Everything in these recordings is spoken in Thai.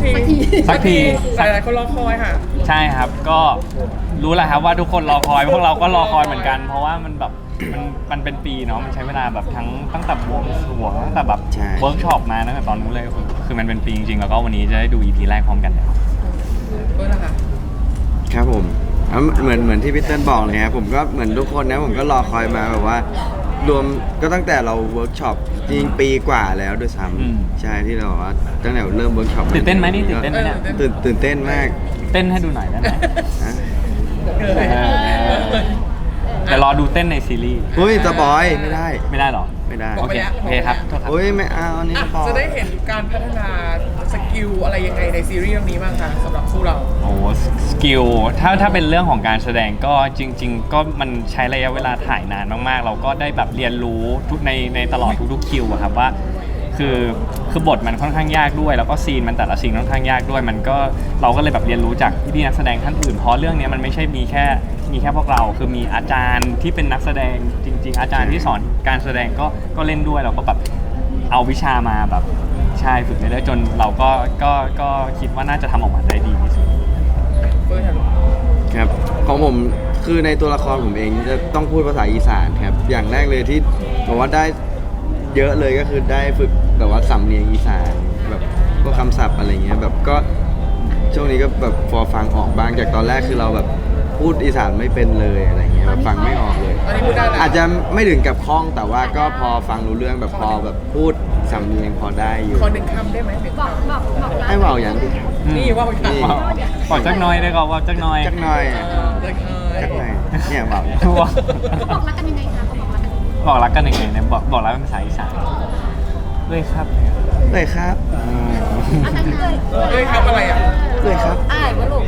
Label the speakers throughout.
Speaker 1: สักที
Speaker 2: หลายคนรอคอยค่ะ
Speaker 1: ใช่ครับก็รู้แหละครับว่าทุกคนรอคอยพวกเราก็รอคอยเหมือนกัน เพราะว่ามันแบบมันเป็นปีเนาะมันใช้เวลาแบบตั้งแต่บวงสรวงตั้งแต่แบบเวิร์กช็อปมาตั้งแต่ตอนนู้นเลยคือมันเป็นปีจริงๆแล้วก็วันนี้จะได้ดู EP แรกพร้อมกันแล้ว
Speaker 2: เพื่อนนะคะ
Speaker 3: ครับผมเหมือนที่พี่เติ้ลบอกเลยครับผมก็เหมือนทุกคนนะผมก็รอคอยมาแบบว่ารวมก็ตั้งแต่เราเวิร์กช็อปจริงปีกว่าแล้วด้วยซ้ำใช่ที่เราว่าตั้งแต่เริ่มเวิร์กช็อป
Speaker 1: ตื่นเต้นไหมนี่ตื่นเต้นไหมเนี่ย
Speaker 3: ตื่นเต้นมาก
Speaker 1: เต้นให้ดูหน่อยได้ไหมแต่รอดูเต้นในซีรีส์
Speaker 3: เฮ้ยสปอยไม่ได้
Speaker 1: หรอ
Speaker 3: ไม่ได้
Speaker 1: โอเคครับ
Speaker 3: โอ้ยไม่เอาอันนี้สปอย
Speaker 2: จะได้เห็นการพัฒนาสกิลอะไรยังไงในซีรีส์เรื่องนี้บ้างคะสำหรับคู่เรา
Speaker 1: โอ้สกิลถ้าเป็นเรื่องของการแสดงก็จริงๆก็มันใช้ระยะเวลาถ่ายนานมากๆเราก็ได้แบบเรียนรู้ทุกในตลอดทุกคิวอะครับว่าคือบทมันค่อนข้างยากด้วยแล้วก็ซีนมันแต่ละซีนค่อนข้างยากด้วยมันก็เราก็เลยแบบเรียนรู้จากพี่นักแสดงท่านอื่นเพราะเรื่องนี้มันไม่ใช่มีแค่พวกเราคือมีอาจารย์ที่เป็นนักแสดงจริงๆอาจารย์ที่สอนการแสดงก็เล่นด้วยเราก็แบบเอาวิชามาแบบใช่ฝึกเรื่อยๆจนเราก็คิดว่าน่าจะทำออกมาได้ดีที่สุด
Speaker 3: ครับของผมคือในตัวละครผมเองจะต้องพูดภาษาอีสานครับอย่างแรกเลยที่บอกว่าได้เยอะเลยก็คือได้ฝึกแบบว่าสำเนียงอีสานแบบก็คำศัพท์อะไรเงี้ยแบบก็ช่วงนี้ก็แบบพอฟังออกบ้างจากตอนแรกคือเราแบบพูดอีสานไม่เป็นเลยอะไรเงี้ยแบบฟังไม่ออกเลยอาจจะไม่ถึงกับคล่องแต่ว่าก็พอฟังรู้เรื่องแบบพอแบบพูดสำเนียงพอได้อยู่
Speaker 2: ขอหนึ่งคำได้ไหม
Speaker 3: ให้เบาอย่างที่
Speaker 2: นี่ว่า
Speaker 1: บอกจักน้อยได้ก็ว่าจักน้อย
Speaker 3: เนี่ยเบา
Speaker 4: บอกรักกันยังไงคะ
Speaker 1: บอกรักกันยังไงเนี่ยบอกรักเป็นภาษาอีสานเลยครับ
Speaker 3: เลยครับ
Speaker 2: เลยครับอะไรอ่ะ
Speaker 3: เลยครับ
Speaker 4: อ้ายวะลูก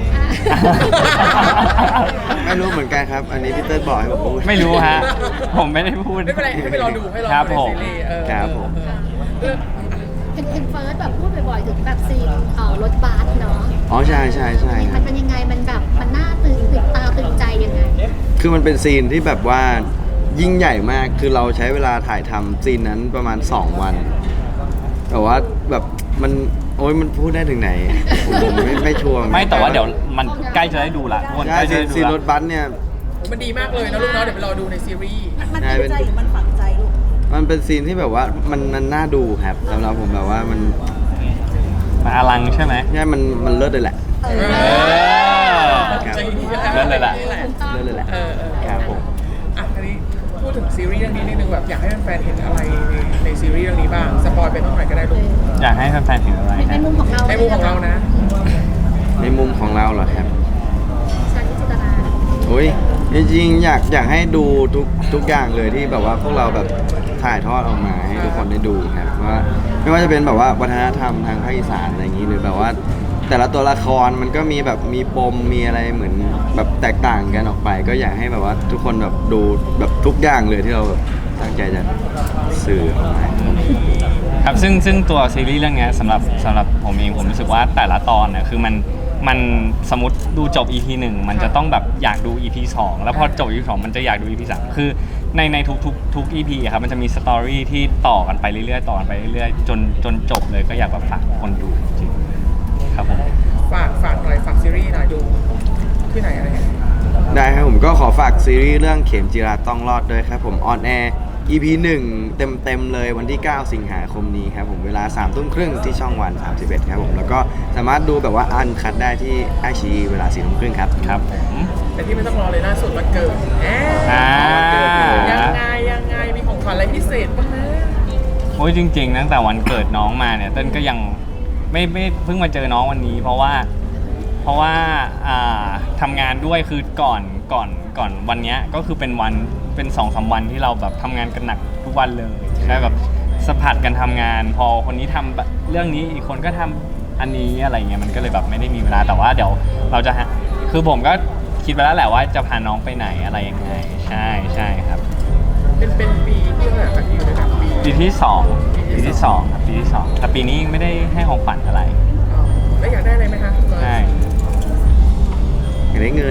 Speaker 3: ไม่รู้เหมือนกันครับอันนี้พี่เติ้ลบอกให้ผมพูด
Speaker 1: ไม่รู้ฮะผมไม่ได้พูด
Speaker 2: ไม่เป็นไรให้ไปรอดูให้รอ
Speaker 1: ครับ
Speaker 2: ผม
Speaker 3: ครับผม
Speaker 4: เห็นเฟิร์สแบบพูดบ่อยๆถึงแบบซีนรถบัสเนาะ
Speaker 3: อ๋อใช่
Speaker 4: มันเป็นยังไงมันแบบมันน่าตื่นตาตื่นใจยังไง
Speaker 3: คือมันเป็นซีนที่แบบว่ายิ่งใหญ่มากคือเราใช้เวลาถ่ายทำซีนนั้นประมาณ2 วันแต่ว่าแบบมันโอ้ยมันพูดได้ถึงไหนผมไม่ชัวร์
Speaker 1: ไม่แต่ว่าเดี๋ยวมันใกล้จะได้ดูละ
Speaker 3: ใช่ซีนรถบัสเนี่ย
Speaker 2: มันดีมากเลยนะลูกเนาะเดี๋ยวไปรอดูในซีรีส์
Speaker 4: มันเป็นใจหรือมันฝังใจลูก
Speaker 3: มันเป็นซีนที่แบบว่ามันน่าดูครับสำหรับผมแบบว่ามัน
Speaker 1: อลังใช่ไหม
Speaker 3: ใช่มันเลิศเลยแหละ
Speaker 1: เลิศเลยแหละ
Speaker 3: ครับผม
Speaker 2: อ่ะทีนี้พูดถึงซีรีส์เรื่องนี้นิดนึงแบบอยากให้แฟนๆเห็นอะไรในซีรีส์เรื่องนี้บ้างสปอยไปต้องหน่อยก็ได้ลูก
Speaker 1: อยากให้แฟนๆเห็นอะไร
Speaker 4: ในมุมของเรา
Speaker 2: ในมุมของเรานะ
Speaker 3: ในมุมของเราเหรอครับ
Speaker 4: ชาลิจิตนา
Speaker 3: โอ้ยจริงๆอยากให้ดูทุกอย่างเลยที่แบบว่าพวกเราแบบถ่ายทอดออกมาให้ทุกคนได้ดูครับว่าไม่ว่าจะเป็นแบบว่าวัฒนธรรมทางภาคอีสานอะไรอย่างนี้หรือแบบว่าแต่ละตัวละครมันก็มีแบบมีปมมีอะไรเหมือนแบบแตกต่างกันออกไปก็อยากให้แบบว่าทุกคนแบบดูแบบทุกอย่างเลยที่เราแบบตั้งใจจะสื่อออกมา
Speaker 1: ครับซึ่งตัวซีรีส์เรื่องนี้สำหรับผมเองผมรู้สึกว่าแต่ละตอนเนี่ยคือมันสมมติดูจบ EP 1มันจะต้องแบบอยากดู EP 2แล้วพอจบ EP 2มันจะอยากดู EP 3คือในทุก EP ครับมันจะมีสตอรี่ที่ต่อกันไปเรื่อยๆจนจบเลยก็อยากแบบฝากคนดูจริงครับผม
Speaker 2: ฝากหน่อยฝากซีรีส์หน่อยดูที่ไหนอะไร
Speaker 3: ได้ครับผมก็ขอฝากซีรีส์เรื่องเข็มจิราต้องรอดด้วยครับผมออนแอร์ EP 1เต็มเลยวันที่9สิงหาคมนี้ครับผมเวลา 21:30 นที่ช่องวัน31ครับผมแล้วก็สามารถดูแบบว่าอันคัดได้ที่ไอชีเวลา 4:30 นครับ
Speaker 1: ครับผม
Speaker 2: แต่ที่ไม่ต้องรอเลยล่าสุดวันเกิดยังไงมีของขวัญอะไรพิเศษบ้างนะ
Speaker 1: โอ้ยจริงๆตั้งแต่วันเกิดน้องมาเนี่ยเต้นก็ยังไม่เพิ่งมาเจอน้องวันนี้เพราะว่าทำงานด้วยคือก่อนวันนี้ก็คือเป็น 2-3 วันที่เราแบบทำงานกันหนักทุกวันเลยแล้วแบบสะพัดกันทำงานพอคนนี้ทำเรื่องนี้อีกคนก็ทำอันนี้อะไรเงี้ยมันก็เลยแบบไม่ได้มีเวลาแต่ว่าเดี๋ยวเราจะคือผมก็คิดไปแล้วแหละว่าจะพาน้องไปไหนอะไรยังไงใช่ครับ
Speaker 2: เป็นปีที่เท่าไหร่ครับที่อยู่ในแบบ
Speaker 1: ปีที่2ครับปีที่2แต่ปีนี้ไม่ได้ให้ของขวัญอะไร
Speaker 2: แล้วอยากได้อะไรไหมคะ
Speaker 1: ใช่
Speaker 3: อยากได้เงิน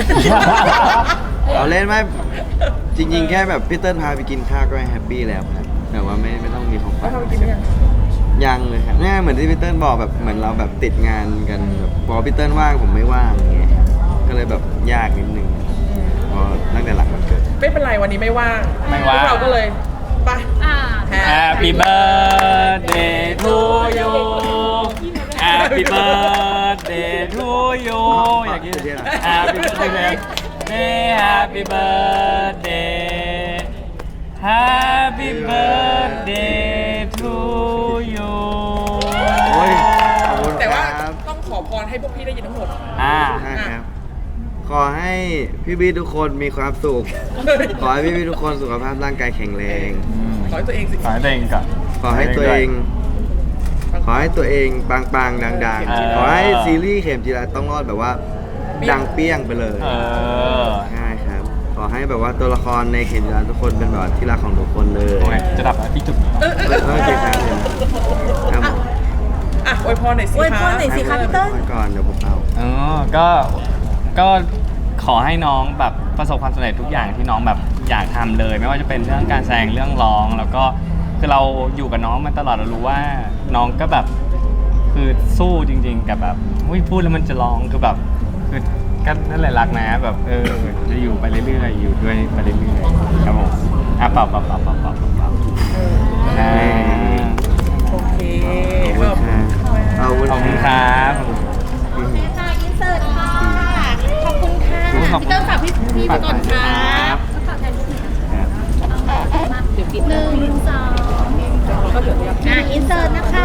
Speaker 3: เอาเล่นไหมจริงๆแค่แบบพี่เติ้ลพาไปกินข้าวก็แฮปปี้แล้วครับแต่ว่าไม่ต้องมีของขวัญยังเลยครับเนี่ยเหมือนที่พี่เติ้ลบอกแบบเหมือนเราแบบติดงานกันแบบพอพี่เติ้ลว่างผมไม่ว่างอย่างเงี้ยก็เลยแบบยากนิดนึงพอตั้งแต่หลังวันเกิด
Speaker 2: ไม่เป็นไรวันนี้ไม่ว่าง
Speaker 1: ไม่ว่าง
Speaker 2: พวกเราก็เลยไป
Speaker 4: อ่า
Speaker 1: Happy birthday to you Happy birthday to you อย่างนี้ Happy birthday Happy birthday Happy birthday to you
Speaker 3: โอ้ยขอบคุณ
Speaker 2: แต่
Speaker 3: ค
Speaker 2: ว่า
Speaker 3: รับ
Speaker 2: ต้องขอพรให้พวกพี่ได้ยินทั้งหมด
Speaker 3: ใช่ครับ ขอให้พี่บีทุกคนมีความสุข ขอให้พี่บีทุกคนสุขภาพร่างกายแข็งแรง
Speaker 2: ขอให้ตัวเองสิ
Speaker 1: ขอให้ตัวเองก่อน
Speaker 3: ขอให้ตัวเอง ขอให้ตัวเองปังๆดัง
Speaker 1: เออ
Speaker 3: ๆ ขอให้ซีรีส์เข็มจีราต้องรอดแบบว่า ดังเปี้ยงไปเลย
Speaker 1: เออ
Speaker 3: ใช่ครับ ขอให้แบบว่าตัวละครในเข็มจีราทุกคนเป็นแบบที่รักของทุกคนเลย
Speaker 1: โอ้ยจะดับแล้วพี่จุ๊บ
Speaker 3: โอเคครับครับผม
Speaker 2: อ่ะอวยพรหน่อยสิ
Speaker 5: อวยพรหน่อยสิคะพี่เติ้ล
Speaker 3: ไว้ก่อนเดี๋ยวผมเอา
Speaker 1: อ๋อก็ขอให้น้องแบบประสบความสำเร็จทุกอย่างที่น้องแบบอยากทำเลย ไม่ว่าจะเป็นเรื่องการแสดงเรื่องร้อง แล้วก็คือเราอยู่กับน้องมาตลอดเรารู้ว่าน้องก็แบบคือสู้จริง ๆ กับแบบอุ้ยพูดแล้วมันจะร้องคือแบบคือก็นั่นแหละรักนะแบบจะอยู่ไปเรื่อยๆอยู่ด้วยไปเรื่อยๆครับผมอ่ะเปล่าอ่า
Speaker 2: โอเค
Speaker 3: ขอบคุณครับ
Speaker 1: ขอบคุณครับ
Speaker 4: โอเคค่ะอินเสิร์ตค่ะ ขอบคุณค่ะ
Speaker 1: ขอบคุณ
Speaker 4: พี่เติ้ลฝากพี่ไปก่อนค่ะฝากแทนพี่มาเดี๋ยว1 2อินเสิร์ตนะคะ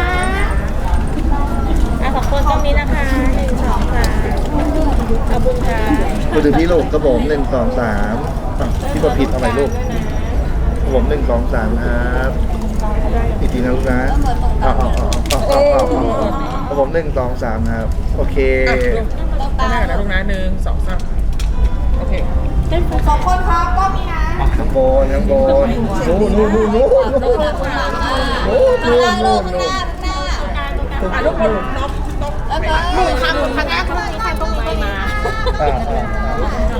Speaker 5: สองคนตรงนี้นะคะ1 2 3เอาบุญค่ะ
Speaker 6: พูดถึงพี่ลูกกระผม1 2 3พี่กดผิดเอาใหม่ลูกกระผม1 2 3ครับอีกทีนะลูกนะกระผม1 2 3ครับโอเค
Speaker 2: อ่ะลูกข้างหน้ากันนะลูกนะ1 2 3โอเค
Speaker 5: สองคนครับก็มีนะ
Speaker 6: ข้างบนนู่น
Speaker 2: อ่ะลูกคนน็อก
Speaker 4: หนูค่ะหนูค่ะหน้าตรงนี้ค่ะตรงนี้มา
Speaker 6: อ่า